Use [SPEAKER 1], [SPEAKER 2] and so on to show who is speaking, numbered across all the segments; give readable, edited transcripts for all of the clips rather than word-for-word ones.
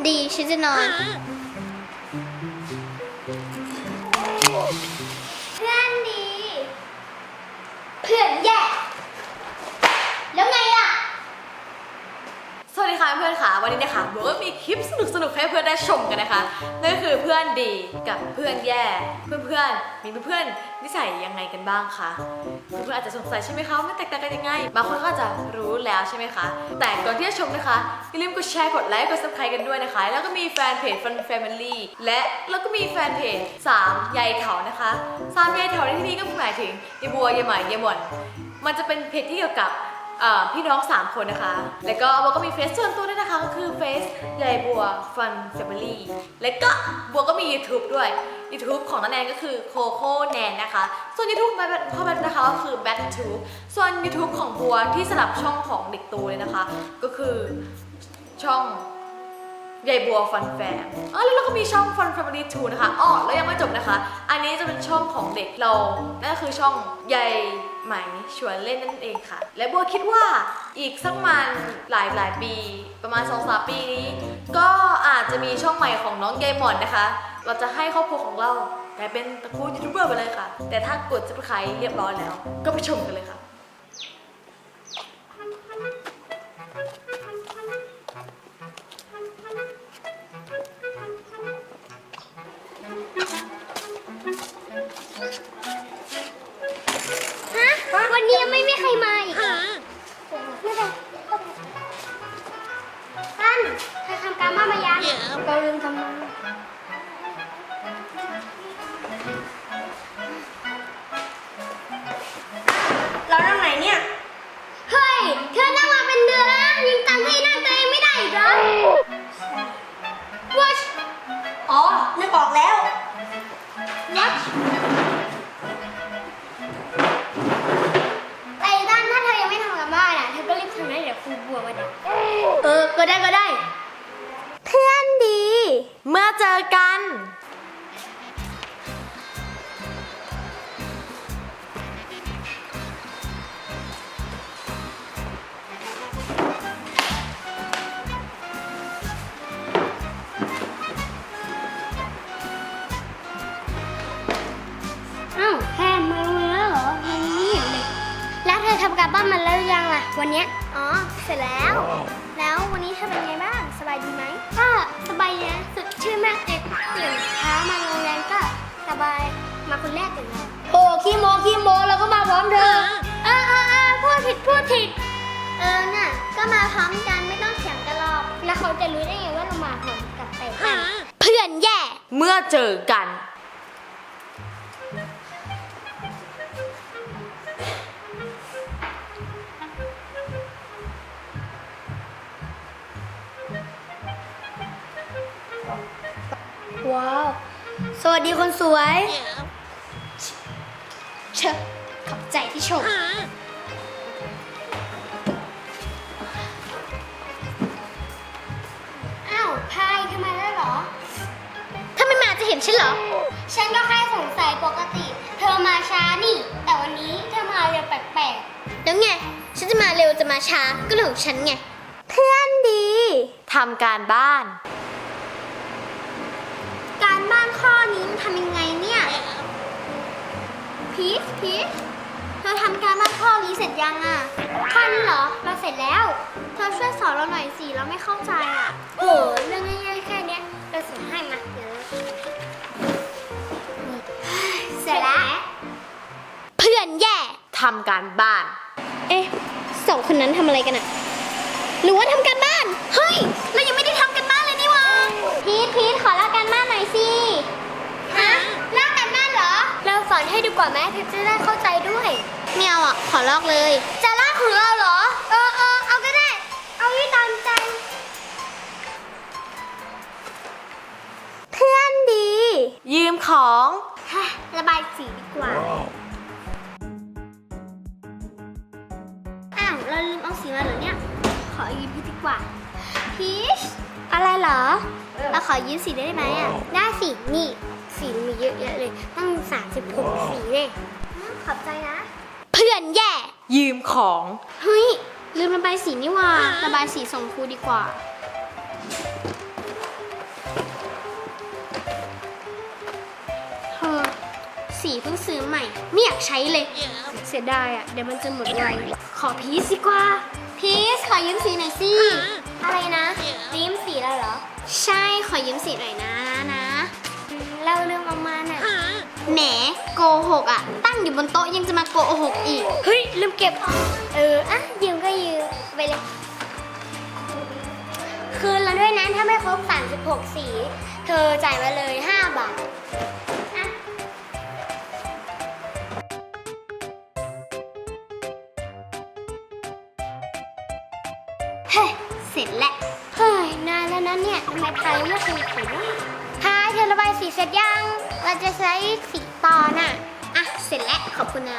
[SPEAKER 1] ดีฉันจะนอนเพื่อนดีเพื่อนแย่แล้วไงล่ะ
[SPEAKER 2] สวัสดีค่ะเพื่อนค่ะวันนี้นะคะโบก็มีคลิปสนุกให้เพื่อนได้ชมกันนะคะนั่นก็คือเพื่อนดีกับเพื่อนแย่เพื่อนมีเพื่อนนิสัยยังไงกันบ้างคะเพื่อนอาจจะสงสัยใช่ไหมคะว่าแตกต่างกันยังไงบางคนก็อาจจะรู้แล้วใช่ไหมคะแต่ก่อนที่จะชมนะคะอย่าลืมกดแชร์กดไลค์กด subscribe กันด้วยนะคะแล้วก็มีแฟนเพจ Fun Family และแล้วก็มีแฟนเพจ3ยายเถานะคะ3ยายเถาในที่นี้ก็หมายถึงยายบัวยายไหมยายหม่อนมันจะเป็นเพจที่เกี่ยวกับพี่น้อง3คนนะคะแล้วก็บัวก็มีเฟซส่วนตัวด้วยนะคะก็คือเฟซยายบัว Fun Family แล้วก็บัวก็มี YouTube ด้วย YouTube ของน้าแนนก็คือโคโค่แนนนะคะส่วน YouTube พ่อแบทนะคะก็คือ BatTube ส่วน YouTube ของบัวที่สลับช่องของเด็กโตเลยนะคะก็คือช่องยายบัวฟันแฟมแล้วเราก็มีช่อง Fun Family 2 นะคะแล้วยังไม่จบนะคะอันนี้จะเป็นช่องของเด็กเรานั่นก็คือช่องยายไหมชวนเล่นนั่นเองค่ะและบัวคิดว่าอีกสักมันหลายปีประมาณ 2-3 ปีนี้ก็อาจจะมีช่องใหม่ของน้องยายหมอนนะคะเราจะให้ครอบครัวของเรากลายเป็นตระกูลยูทูบเบอร์ไปเลยค่ะแต่ถ้ากด Subscribe เรียบร้อยแล้วก็ไปชมกันเลยค่ะ
[SPEAKER 1] วันนี้ยังไม่มีใครมาอีกเหรอไม่เป็นท่านเธอทำการบ้านมายังเราลืมทำมา
[SPEAKER 3] เรานั่งไหนเนี่ย
[SPEAKER 1] เฮ้ยเธอนั่งมาเป็นเดือนแล้วยังจำที่นั่งตัวเองไม่ได้อีกเหรอวัช
[SPEAKER 3] อ๋อ นึกออกแล้ว
[SPEAKER 1] วัชแต่ด้านถ้าเธอยังไม่ทำการบ้านอ่ะเธอก็รีบทำนะเดี๋ยวครูบัวมาด่าก็ได้เพื่อนดี
[SPEAKER 2] เมื่อเจอกัน
[SPEAKER 1] อ้าวแพนมาโรงเรียนแล้วเหรอยังไม่เห็นเลยแล้วเธอทำการบ้านมาแล้วหรือยังล่ะวันเนี้ยอ๋อเสร็จแล้ว แล้ววันนี้เธอเป็นไงบ้างสบายดีไหมก็สบายดีนะสดชื่นมากเลยตื่นเช้ามาโรงเรียนก็สบายมาคนแรกเลยนะโอ้ขี้โมแล้วก็มาพร้อมเธอพูดผิดน่ะก็มาพร้อมกันไม่ต้องเถียงกันหรอกแล้วเขาจะรู้ได้ไงว่าเรามาพร้อมกับแต่กันเพื่อนแย่
[SPEAKER 2] เมื่อเจอกัน
[SPEAKER 1] ว้าวสวัสดีคนสวยเชิญขอบใจที่ชมอ้าวพายทำไมได้หรอถ้าไม่มาจะเห็นฉันเหรอฉันก็แค่สงสัยปกติเธอมาช้านี่แต่วันนี้เธอมาเร็วแปลกๆแล้วไงฉันจะมาเร็วจะมาช้าก็เรื่องของฉันไงเพื่อนดี
[SPEAKER 2] ทำการบ้าน
[SPEAKER 1] การบ้านข้อนี้มันทำยังไงเนี่ยพีชเธอทำการบ้านข้อนี้เสร็จยังอ่ะข้อนี้เหรอเราเสร็จแล้วเธอช่วยสอนเราหน่อยสิเราไม่เข้าใจอ่ะโหเรื่องง่ายๆแค่นี้เราสอนให้มาเดี๋ยวเสร็จแล้วเพื่อนแย่
[SPEAKER 2] ทำการบ้าน
[SPEAKER 1] สองคนนั้นทำอะไรกันอ่ะหรือว่าทำการบ้านเฮ้ยเรายังไม่ได้ทำกันบ้านเลยนี่วะพีทขอลากการบ้านหน่อยสิฮะลากการบ้านเหรอเราสอนให้ดีกว่าไหมพีทจะได้เข้าใจด้วยไม่เอาอ่ะขอลอกเลยจะลากของเราเหรอเอาก็ได้เอาที่ตามใจเพื่อนดี
[SPEAKER 2] ยืมของ
[SPEAKER 1] ระบายสีดีกว่าอ้าวเราลืมเอาสีมาเหรอเนี่ยขอยืมพีทดีกว่าพีชอะไรเหรอเราขอยืมสีได้ไหมอ่ะได้สินี่สีมีเยอะแยะเลยตั้ง36สีเลยขอบใจนะเพื่อนแย่
[SPEAKER 2] ยืมของ
[SPEAKER 1] เฮ้ยลืมระบายสีนี่ว่าระบายสีส่งครูดีกว่าสีเพิ่งซื้อใหม่ ไม่อยากใช้เลย เสียดายอ่ะ เดี๋ยวมันจะหมดไว ขอพีชดีกว่า พีชขอยืมสีหน่อยสิ อะไรนะยืมสีแล้วเหรอ ใช่ ขอยืมสีหน่อยนะเล่าเรื่องออกมาน่ะแหมโกหกอ่ะ ตั้งอยู่บนโต๊ะยังจะมาโกหกอีก เฮ้ย ลืมเก็บ อ่ะ ยืมก็ยืมไปเลย คืนแล้วด้วยนะถ้าไม่ครบ36 สี เธอจ่ายมาเลย5 บาทอ่ะเฮ้ยเสร็จแล้ว เฮ้ย นานแล้วนะเนี่ยทำไมพายไม่เคยเขียนพายเธอระบายสีเสร็จยัง เราจะใช้สีตอนอ่ะ อ่ะ เสร็จแล้ว ขอบคุณนะ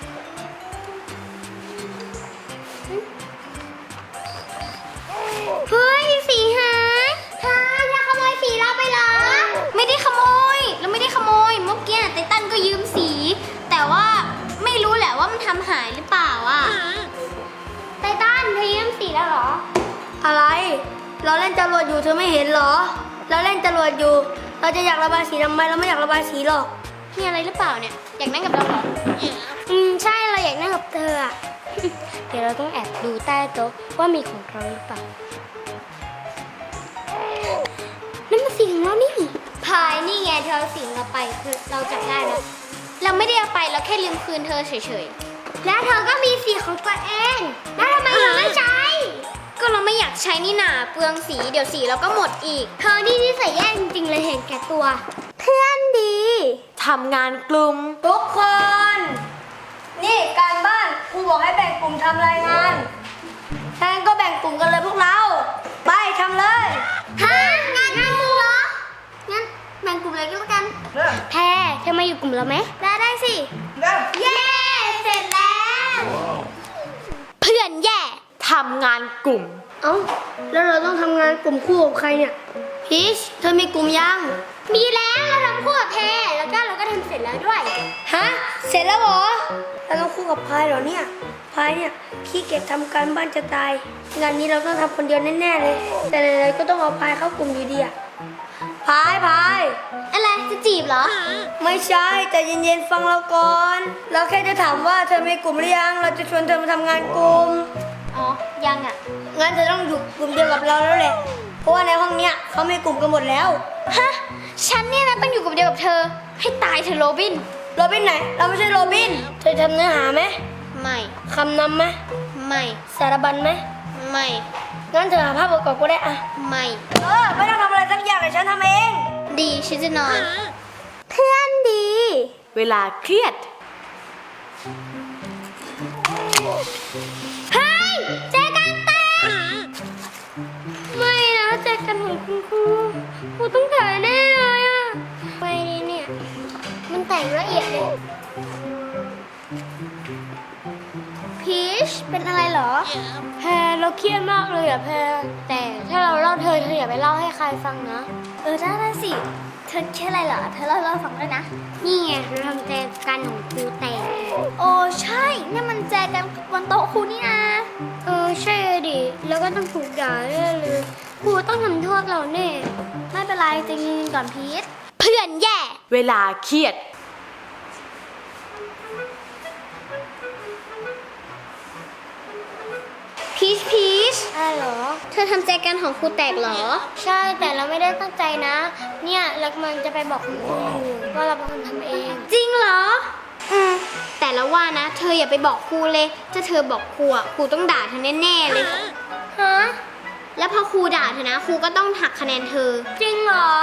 [SPEAKER 1] เฮ้ย สีหายพายอย่าขโมยสีเราไปเหรอ ไม่ได้ขโมย เราไม่ได้ขโมยเมื่อกี้ไตตันก็ยืมสี แต่ว่าไม่รู้แหละว่ามันทำหายหรือเปล่าอ่ะไตตันเธอยืมสีแล้วเหรอ
[SPEAKER 3] อะไร เราเล่นจรวดอยู่เธอไม่เห็นเหรอ เราเล่นจรวดอยู่ เราจะอยากระบายสีทำไมเราไม่อยากระบายสีหรอก
[SPEAKER 1] มีอะไรหรือเปล่าเนี่ย อยากนั่งกับเราเหรอ ใช่ เราอยากนั่งกับเธออะ เดี๋ยวเราต้องแอบดูใต้โต๊ะว่ามีของเราหรือเปล่า นั่นมันสีของเรานี่พายนี่ไงเธอเอาสีของเราไปคือเราจับได้แล้ว เราไม่ได้เอาไปเราแค่ลืมคืนเธอเฉยๆ แล้วเธอก็มีสีของตัวเอง แล้วทำไมเธอไม่ใช้ ก็เราไม่อยากใช้นี่นาเปลืองสีเดี๋ยวสีเราก็หมดอีก เธอนี่นิสัยแย่จริงๆเลยเห็นแก่ตัว เพื่อนดี
[SPEAKER 2] ทำงานกลุ่ม
[SPEAKER 3] ทุกคน นี่การบ้านครูบอกให้แบ่งกลุ่มทำรายงานถ้างั้นก็แบ่งกลุ่มกันเลยพวกเรา ไปทำเลย
[SPEAKER 1] ฮะงานกลุ่มเหรอ งั้นแบ่งกลุ่มเลยก็แล้วกัน แพรเธอมาอยู่กลุ่มเราไหม ได้สิ เย้ เสร็จแล้ว เพื่อนแย่
[SPEAKER 2] ทำงานกลุ่ม
[SPEAKER 3] เอ้า แล้วเราต้องทำงานกลุ่มคู่กับใครเนี่ย พีชเธอมีกลุ่มยัง
[SPEAKER 1] มีแล้วเราทำคู่กับแพรแล้วก็เราก็ทำเสร็จแล้วด้วย
[SPEAKER 3] ฮะ เสร็จแล้วเหรอ เราต้องคู่กับพายเหรอเนี่ย พายเนี่ยขี้เกียจทำการบ้านจะตาย งานนี้เราต้องทำคนเดียวแน่ๆเลย แต่ไหนๆก็ต้องเอาพายเข้ากลุ่มอยู่ดีอะพาย
[SPEAKER 1] อะไรจะจีบเหรอ
[SPEAKER 3] ไม่ใช่แต่เย็นๆฟังเราก่อน เราแค่จะถามว่าเธอมีกลุ่มหรือยัง เราจะชวนเธอมาทำงานกลุ่ม
[SPEAKER 1] อ๋อ ยังอ่ะ
[SPEAKER 3] งั้นเธอต้องอยู่กลุ่มเดียวกับเราแล้วแหละ เพราะว่าในห้องเนี้ยเขามีกลุ่มกันหมดแล้ว
[SPEAKER 1] ฮะ ฉันเนี่ยนะต้องอยู่กับเดียวกับเธอ ให้ตายเธอะโรบิน
[SPEAKER 3] โรบินไหน เราไม่ใช่โรบิน เธอทำเนื้อหาไหม
[SPEAKER 1] ไม่
[SPEAKER 3] คำนำไหม
[SPEAKER 1] ไม่
[SPEAKER 3] สารบัญไหม
[SPEAKER 1] ไม่
[SPEAKER 3] งั้นเธอหาภาพประกอบก็ได้อะ
[SPEAKER 1] ไม่
[SPEAKER 3] ไม่ต้องทำอะไรสักอย่างเลยฉันทำเอง
[SPEAKER 1] ดีฉันจะนอน เพื่อนดี
[SPEAKER 2] เวลาเครียด
[SPEAKER 1] เฮ้ยแจกันแตกไม่นะแจกันของคุณครูต้องถ่ายแน่เลยอ่ะไปดีเนี่ย มันแตกละเอียดเลยพีชเป็นอะไรเหรอ แพรเราเครียดมากเลยอ่ะแพรแต่ถ้าเราเล่าเธออย่าไปเล่าให้ใครฟังนะได้สิเธอเครียดอะไรเหรอเธอเล่าให้ฟังด้วยนะนี่ไงเราทำแจกันของครูแตกโอ้ใช่นี่มันแจกันบนโต๊ะครูนี่นะใช่ดิแล้วก็ต้องถูกด่าเลยครูต้องทำโทษเราแน่ไม่เป็นไรใจเย็นก่อนพีชเพื่อนแย่
[SPEAKER 2] เวลาเครียด
[SPEAKER 1] พีชอะไรเหรอเธอทำแจกันของครูแตกเหรอใช่แต่เราไม่ได้ตั้งใจนะ เนี่ยเรากำลังจะไปบอกคุณครูอยู่ว่าเราเป็นคนทำเองจริงเหรอแต่ละว่านะเธออย่าไปบอกครูเลยถ้าเธอบอกครูครูต้องด่าเธอแน่ๆเลยฮะแล้วพอครูด่าเธอนะครูก็ต้องหักคะแนนเธอจริงเหรอ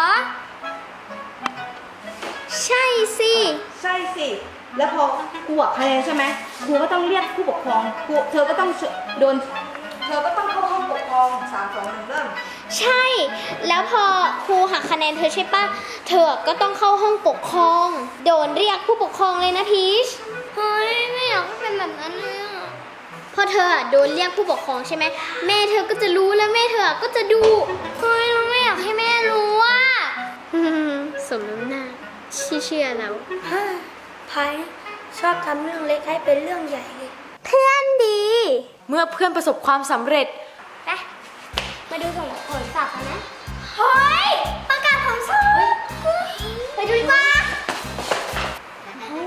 [SPEAKER 1] ใช่สิ
[SPEAKER 4] ใช่สิ แล้วพอครูหักคะแนนใช่ไหมครูก็ต้องเรียกผู้ปกครองเธอก็ต้องเข้าห้องปกครอง3 2 1เริ่ม
[SPEAKER 1] ใช่ แล้วพอครูหักคะแนนเธอใช่ปะเธอก็ต้องเข้าห้องปกครอง โดนเรียกผู้ปกครองเลยนะพีช เฮ้ยไม่อยากให้เป็นแบบนั้นเลยอ่ะพอเธอโดนเรียกผู้ปกครองใช่ไหมแม่เธอก็จะรู้แล้วแม่เธอก็จะดู เฮ้ยเราไม่อยากให้แม่รู้อ่ะ สมน้ำหน้าเชื่อแล้ว
[SPEAKER 3] พายชอบทำเรื่องเล็กให้เป็นเรื่องใหญ่เลย
[SPEAKER 1] เพื่อนดี
[SPEAKER 2] เมื่อเพื่อนประสบความสำเร็จ
[SPEAKER 1] ไปมาดูผลสอบกันนะ เฮ้ย ประกาศผลสอบไปดูดีกว่า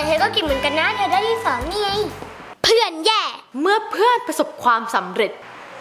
[SPEAKER 1] เธอก็เก่งเหมือนกันนะ เธอได้ที่สองนี่ไง เพื่อนแย่
[SPEAKER 2] เมื่อเพื่อนประสบความสำเร็จ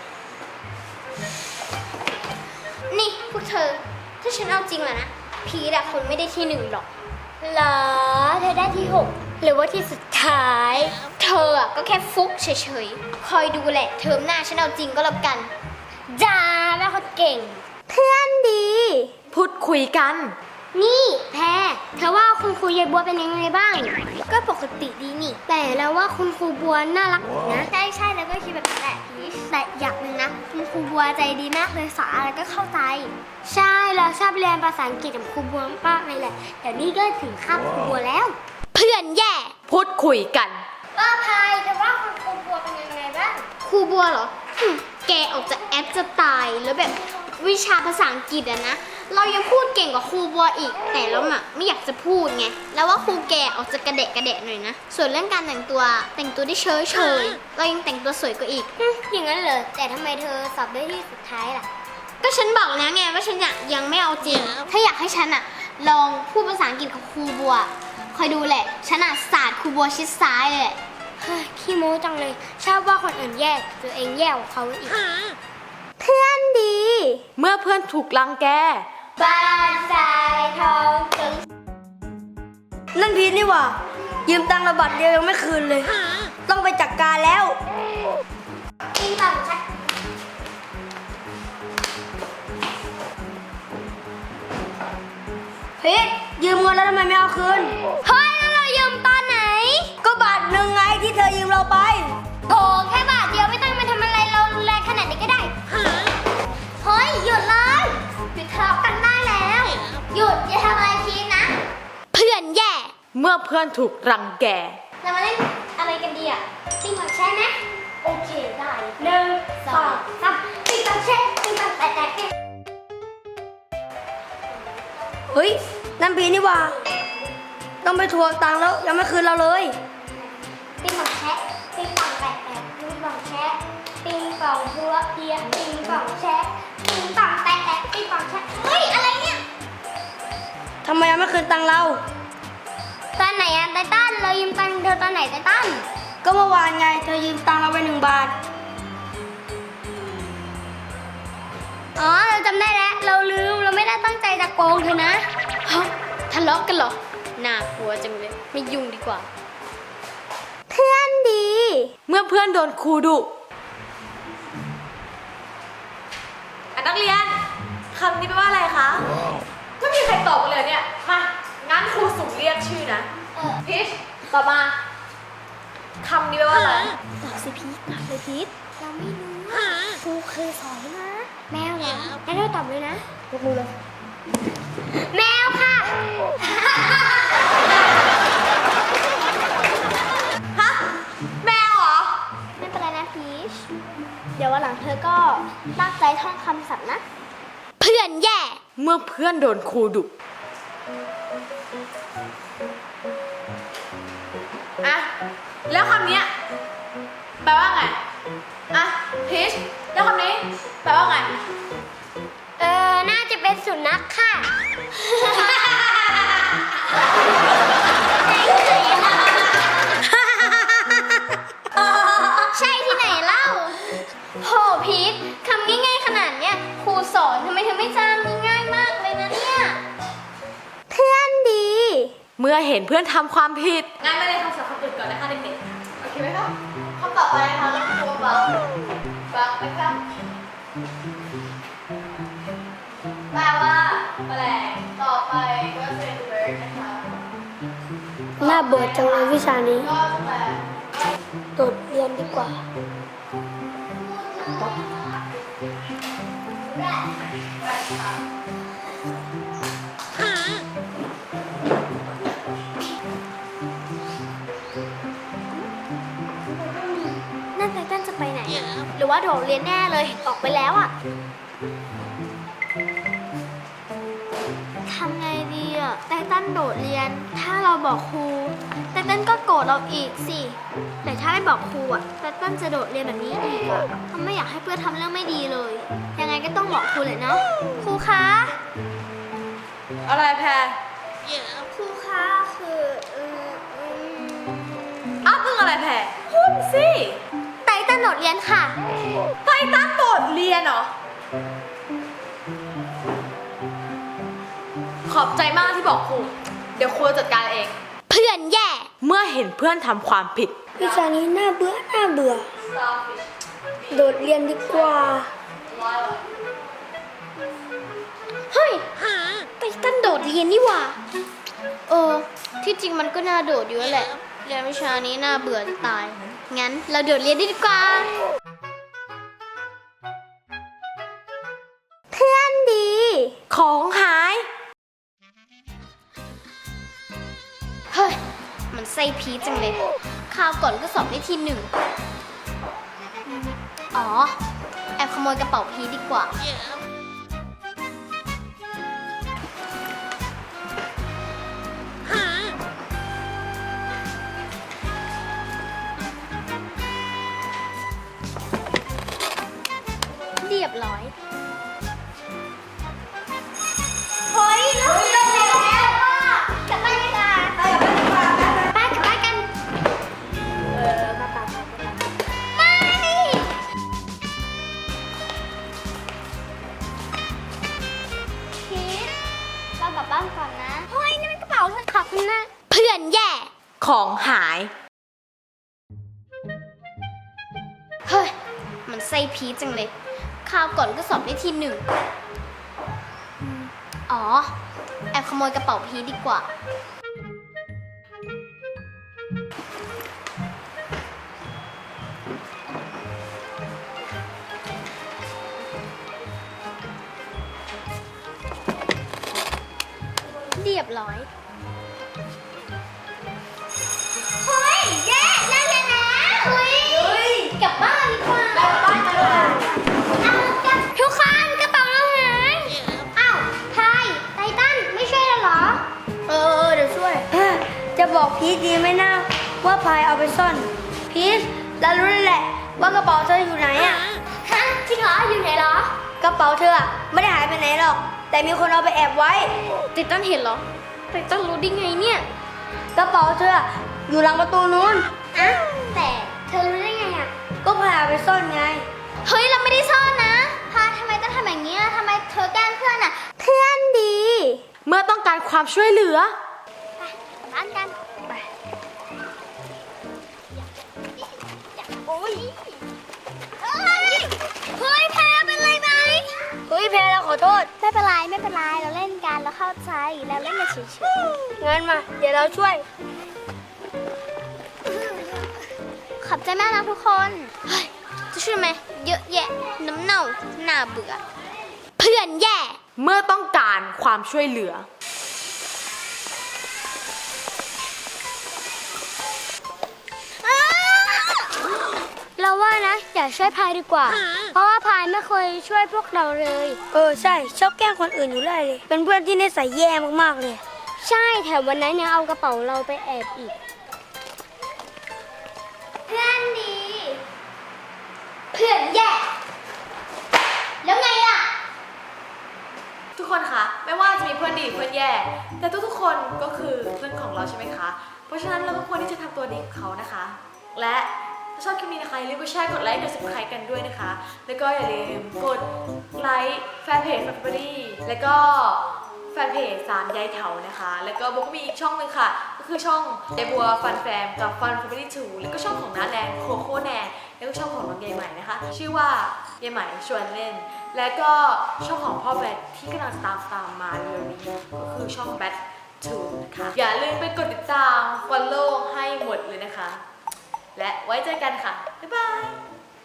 [SPEAKER 1] นี่พวกเธอ ถ้าฉันเอาจริงแล้วนะ พีทอะคนไม่ได้ที่หนึ่งหรอกเหรอ เธอได้ที่หกหรือว่าที่สุดท้าย เธออะก็แค่ฟุกเฉยๆ คอยดูแหละ เทอมหน้าฉันเอาจริงก็แล้วกันจ้าแม่คนเก่ง เพื่อนดี
[SPEAKER 2] พูดคุยกัน
[SPEAKER 1] นี่แพรเธอว่าคุณครูยายบัวเป็นยังไงบ้าง ก็ปกติดีนี่ แต่แล้วว่าคุณครูบัวน่ารักนะใช่แล้วก็คิดแบบนั้นแหละพีชแต่อย่างหนึ่งนะคุณครูบัวใจดีมากเลยสอนอะไรก็เข้าใจ ใช่เราชอบเรียนภาษาอังกฤษกับครูบัวมากเลยแหละแต่นี่ก็ถึงคาบครูบัวแล้ว เพื่อนแย่
[SPEAKER 2] พูดคุยกัน
[SPEAKER 1] ว่าพายเธอว่าคุณครูบัวเป็นยังไงบ้างครูบัวเหรอแกออกจะแอปจะตายแล้วแบบวิชาภาษาอังกฤษอะนะเรายังพูดเก่งกว่าครูบัวอีกแต่เราอะไม่อยากจะพูดไงแล้วว่าครูแกออกจะกระเดะหน่อยนะส่วนเรื่องการแต่งตัวได้เฉยเรายังแต่งตัวสวยกว่าอีกอย่างนั้นเหรอแต่ทำไมเธอสอบได้ที่สุดท้ายล่ะก็ฉันบอกแล้วไงว่าฉันยังไม่เอาจริงถ้าอยากให้ฉันอะลองพูดภาษาอังกฤษกับครูบัวคอยดูแหละฉันอะศาสตร์ครูบัวชิดซ้ายเลยแหละขี้โม้จังเลยชอบว่าคนอื่นแย่ตัวเองแย่กว่าเขาอีกเพื่อนดี
[SPEAKER 2] เมื่อเพื่อนถูกรังแก
[SPEAKER 1] บ้านทรายทองถึง
[SPEAKER 3] นั่นพีทนี่หว่า ยืมตังค์ระบัตรเดียวยังไม่คืนเลย ต้องไปจัดการแล้ว
[SPEAKER 1] กินต่างชัด
[SPEAKER 3] พีทยืมเงินแล้วทำไมไม่เอาคืน
[SPEAKER 1] เฮ้ยแล้วเรายืมตอนไหน
[SPEAKER 3] ก็บาทหนึ่งไงที่เธอยืมเราไป
[SPEAKER 1] โถแค่บาทเดียวไม่ต้องมาทำอะไรเรารุนแรงขนาดนี้ก็ได้เฮ้ยหยุดเลยหยุดทะเลาะกันได้แล้วหยุดอย่าทำอะไรพีนะเพื่อนแย่
[SPEAKER 2] เมื่อเพื่อนถูกรังแก
[SPEAKER 1] เรามาเล่นอะไรกันดีอ่ะปิ้งปังแช่ไหมโอเคได้หนึ่งสองสามปิ้งปังแช่ปิ้งปังแตะ
[SPEAKER 3] เฮ้ย นั่นพีทนี่หว่า ต้องไปทวงตังค์แล้วยังไม่คืนเราเลย
[SPEAKER 1] ปิ้งปังแช่ปิ้งปังแตะปิ้งปังแช่ปิ้งปังหัวเอียปิ้งปังแช่ปิ้งปังแตะปิ้งปังแช่เฮ้ยอะไรเนี่ย
[SPEAKER 3] ทำไมยังไม่คืนตังค์เรา
[SPEAKER 1] ตอนไหนอะไตตันเรายืมตังค์เธอตอนไหนไตตัน
[SPEAKER 3] ก็เมื่อวานไง เธอยืมตังค์เราไป1 บาท
[SPEAKER 1] อ๋อเราจำได้แล้วเราลืมเราไม่ได้ตั้งใจจะโกงเธอนะฮะทะเลาะกันเหรอน่ากลัวจังเลยไม่ยุ่งดีกว่า เพื่อนดี
[SPEAKER 2] เมื่อเพื่อนโดนครูดุนักเรียนคำนี้แปลว่าอะไรคะก็มีใครตอบกันเลยเนี่ยมางั้นครูสุ่มเรียกชื่อนะพีชตอบมาคำนี้แปลว่าอะไร
[SPEAKER 1] ตอบสิพีทตอบเลยพีทเราไม่รู้ครูเคยสอนนะแมวเหรองั้นเราตอบเลยนะยกมือเลยแมวค่ะ
[SPEAKER 2] ฮะแมวเหรอ
[SPEAKER 1] ไม่เป็นไรนะพีชเดี๋ยววันหลังเธอก็ตั้งใจท่องคำศัพท์นะ เพื่อนแย่
[SPEAKER 2] เมื่อเพื่อนโดนครูดุอะแล้วคำเนี้ยแปลว่าไงอะพีชแล้วคำนี้แปลว่าไง
[SPEAKER 1] น่าจะเป็นสุนัขค่ะ ใช่ที่ไหนเล่าโหพีทคำง่ายๆขนาดเนี้ยครูสอนทำไมเธอไม่จำง่ายมากเลยนะเนี่ย เพื่อนดี
[SPEAKER 2] เมื่อเห็นเพื่อนทำความผิดงั้นไม่ได้คำศัพท์คำอื่นก่อนนะคะเด็กๆโอเคไหมครับคำต่อไปนะคะครูฟังนะครับแปลว่าแมลงต่อไปก็เป็น bird นะคะ
[SPEAKER 3] น่าเบื่อจังเลยวิชานี้
[SPEAKER 2] ก็จะแปล
[SPEAKER 3] โดดเรียนดีกว่า
[SPEAKER 1] นั่นไตตันจะไปไหนอะหรือว่าโดดเรียนแน่เลย ออกไปแล้วอะทำไงดีอะไตตันโดดเรียน ถ้าเราบอกครูไตตันก็โกรธเราอีกสิ แต่ถ้าไม่บอกครูอะไตตันจะโดดเรียนแบบนี้อีกอะเขาไม่อยากให้เพื่อนทำเรื่องไม่ดีเลย ยังไงก็ต้องบอกครูเลยเนาะ ครูคะ
[SPEAKER 2] อะไรแพร
[SPEAKER 1] ครูคะคือ
[SPEAKER 2] อ้าวเพิ่งอะไรแพรพูดสิ
[SPEAKER 1] ไตเติ้ลโดดเรียนค่ะ
[SPEAKER 2] ไปตั้งโดดเรียนเหรอ ขอบใจมากที่บอกครู เดี๋ยวครูจัดการเอง
[SPEAKER 1] เพื่อนแย่
[SPEAKER 2] เมื่อเห็นเพื่อนทำความผิด
[SPEAKER 3] วิชานี้น่าเบื่อน่าเบื่อ โดดเรียนดีกว่า
[SPEAKER 1] เฮ้ยไตเติ้ลโดดเรียนนี่หว่าที่จริงมันก็น่าโดดอยู่แล้วแหละเรียนวิชานี้น่าเบื่อจะตาย งั้นเราโดดเรียนดีกว่า เพื่อนดี
[SPEAKER 2] ของหาย
[SPEAKER 1] เฮ้ย มันไส้พีชจังเลยคราวก่อนก็สอบได้ที่หนึ่งอ๋อ แอบขโมยกระเป๋าพีชดีกว่า เรียบร้อย เฮ้ยเราเลิกแล้วกลับบ้านดีกว่าไปกลับบ้านกัน ไม่ พีทเรากลับบ้านก่อนนะ เฮ้ยนี่มันกระเป๋าเธอขอบคุณนะเพื่อนแย่
[SPEAKER 2] ของหาย
[SPEAKER 1] เฮ้ย มันไส้พีชจังเลยคราวก่อนก็สอบได้ที่หนึ่งอ๋อ แอบขโมยกระเป๋าพีชดีกว่า เรียบร้อย เฮ้ยแย่เลิกเรียนแล้วเฮ้ยกลับบ้านดีกว่าทุกคนกระเป๋าเราหายอ้าวพายไททันไม่ช่วยเราเหรอ
[SPEAKER 3] เดี๋ยวช่วย จะบอกพีทดีไหมนะว่าพายเอาไปซ่อน พีทเรารู้แล้วแหละว่ากระเป๋าเธออยู่ไหนอ่ะ
[SPEAKER 1] ฮะจริงเหรออยู่ไหนเหรอก
[SPEAKER 3] ระเป๋าเธออะไม่ได้หายไปไหนหรอก แต่มีคนเอาไปแอบไว้
[SPEAKER 1] ไททันเห็นเหรอไททันรู้ได้ไงเนี่ย
[SPEAKER 3] กระเป๋าเธออะอยู่หลังประตูนู้น
[SPEAKER 1] อ่ะแต่เธอรู้ได้ไงอ่ะ
[SPEAKER 3] ก็พายเอาไปซ่อนไง
[SPEAKER 1] เฮ้ยเราไม่ได้ซ่อนนะพาทำไมต้องทำอย่างนี้ทำไมเธอแกล้งเพื่อนอ่ะ เพื่อนดี
[SPEAKER 2] เมื่อต้องการความช่วยเหลือ
[SPEAKER 1] ไปกลับบ้านกันไปโอ้ยเฮ้ยแพ้เป็นไรไหม
[SPEAKER 3] เฮ้ยเพลเราขอโทษ
[SPEAKER 1] ไม่เป็นไรไม่เป็นไรเราเล่นกันเราเข้าใจเราเล่นกันเฉย
[SPEAKER 3] งั้นมา เดี๋ยวเราช่วย
[SPEAKER 1] ๆขอบใจมากนะทุกคนเฮ้ยจะช่วยไหมเยอะแยะน้ำเน่าหน้าเบื่อ เพื่อนแย่
[SPEAKER 2] เมื่อต้องการความช่วยเหลือ
[SPEAKER 1] เราว่านะอย่าช่วยพายดีกว่า เพราะว่าพายไม่เคยช่วยพวกเราเลย
[SPEAKER 3] ใช่ ชอบแกล้งคนอื่นอยู่ได้เลย เป็นเพื่อนที่นิสัยแย่มากๆเลย
[SPEAKER 1] ใช่แถมวันนั้นยังเอากระเป๋าเราไปแอบอีก เพื่อนดี เพื่อนแย่ แล้วไงล่ะ
[SPEAKER 2] ทุกคนคะไม่ว่าจะมีเพื่อนดีเพื่อนแย่ แต่ทุกๆคนก็คือเพื่อนของเราใช่ไหมคะ เพราะฉะนั้นเราก็ควรที่จะทำตัวดีกับเขานะคะ และถ้าชอบคลิปนี้นะคะอย่าลืมกดแชร์กดไลค์กด subscribe กันด้วยนะคะ แล้วก็อย่าลืมกดไลค์แฟนเพจ Family แล้วก็แฟนเพจ3ยายเถานะคะ แล้วก็โบก็มีอีกช่องหนึ่งค่ะ ก็คือช่องยายบัวฟันแฟมกับฟัน Family 2 แล้วก็ช่องของน้าแนนโคโค่แนนแล้วก็ช่องของน้องยายใหม่นะคะ ชื่อว่ายายใหม่ชวนเล่น แล้วก็ช่องของพ่อแบทที่กำลังจะตามมาเร็วนี้ก็คือช่องแบท2นะคะ อย่าลืมไปกดติดตาม follow ให้หมดเลยนะคะ และไว้เจอกันค่ะ บ๊ายบาย